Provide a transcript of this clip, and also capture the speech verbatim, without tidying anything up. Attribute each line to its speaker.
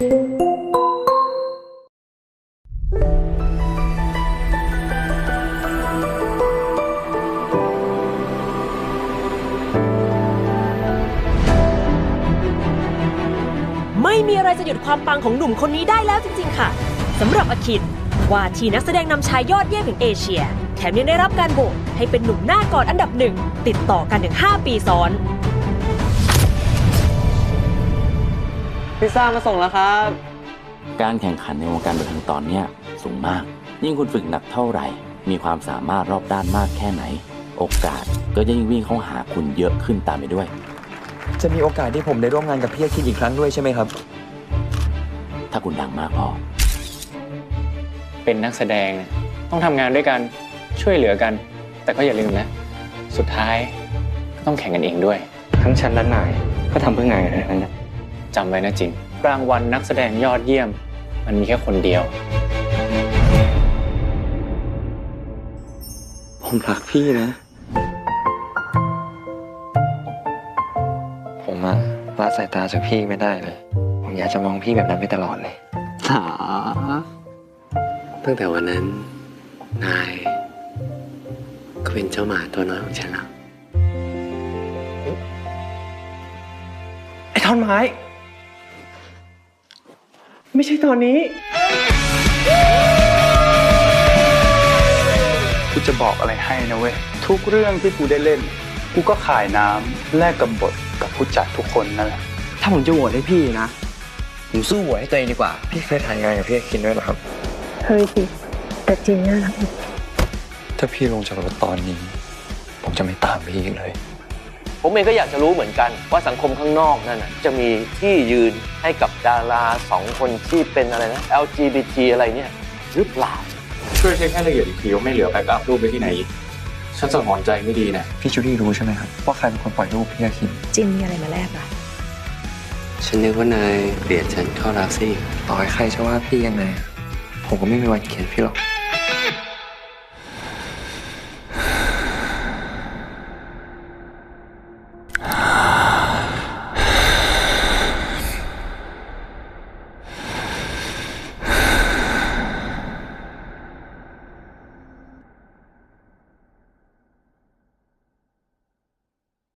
Speaker 1: ไม่มีอะไรจะหยุดความปังของหนุ่มคนนี้ได้แล้วจริงๆค่ะสำหรับอคินว่าที่นักแสดงนำชายยอดเยี่ยมแห่งเอเชียแถมยังได้รับการโหวตให้เป็นหนุ่มหน้ากอดอันดับหนึ่งติดต่อกันถึงห้าปีซ้อน
Speaker 2: พิซซ่ามาส่งแล้วครับ
Speaker 3: การแข่งขันในวงการบันเทิงตอนนี้สูงมากยิ่งคุณฝึกหนักเท่าไหร่มีความสามารถรอบด้านมากแค่ไหนโอกาสก็จะยิ่งวิ่งเข้าหาคุณเยอะขึ้นตามไปด้วย
Speaker 4: จะมีโอกาสที่ผมได้ร่วมงานกับพี่อาคินอีกครั้งด้วยใช่ไหมครับ
Speaker 3: ถ้าคุณดังมากพอ
Speaker 2: เป็นนักแสดงต้องทำงานด้วยกันช่วยเหลือกันแต่ก็อย่าลืมนะสุดท้ายก็ต้องแข่งกันเองด้วยทั้งฉันและนายก็ทำเพื่องานกันทั้งนั้นจำไว้นะจินรางวัลนักแสดงยอดเยี่ยมมันมีแค่คนเดียวผมรักพี่นะผมอะละสายตาจากพี่ไม่ได้เลยผมอยากจะมองพี่แบบนั้นไปตลอดเลยหาตั้งแต่วันนั้นนายก็เป็นเจ้าหมาตัวน้อยของฉันแล้วไอ้ท่อนไม้ไม่ใช่ตอนนี้
Speaker 5: กูจะบอกอะไรให้นะเว้ยทุกเรื่องที่กูได้เล่นกูก็ขายน้ำแลกกับบทกับผู้จัดทุกคนนั่นแหละ
Speaker 2: ถ้าผมจะโหวตให้พี่นะผมสู้โหวตให้ตัวเองดีกว่าพี่เคยถ่ายงานกับพี่คินด้วยหรอครับ
Speaker 6: เคยสิแต่จริงน่ารัก
Speaker 2: ถ้าพี่ลงจากรถตอนนี้ผมจะไม่ตามพี่อีกเลย
Speaker 7: ผมเองก็อยากจะรู้เหมือนกันว่าสังคมข้างนอกนั่นน่ะจะมีที่ยืนให้กับดาราสองคนที่เป็นอะไรนะ แอล จี บี ที อะไรเนี่ยหรือเปล่า
Speaker 5: ช่วยเช็คให้ละเอียดอีกทีว่าไม่เหลือแบ็กอัพรูปไปที่ไหนอีกฉันสังหรณ์ใจไม่ดีนะ
Speaker 2: พี่จูดี้รู้ใช่ไหมครับว่าใครเป็นคนปล่อยรูปพี่อาคิน
Speaker 6: จินมีอะไรมาแลกอ่ะ
Speaker 7: ฉันนึกว่านายเกลียดฉันเข้ารักสิ
Speaker 2: ต่อให้ใครจะว่าพี่ยังไงผมก็ไม่มีวันเขียนพี่หรอก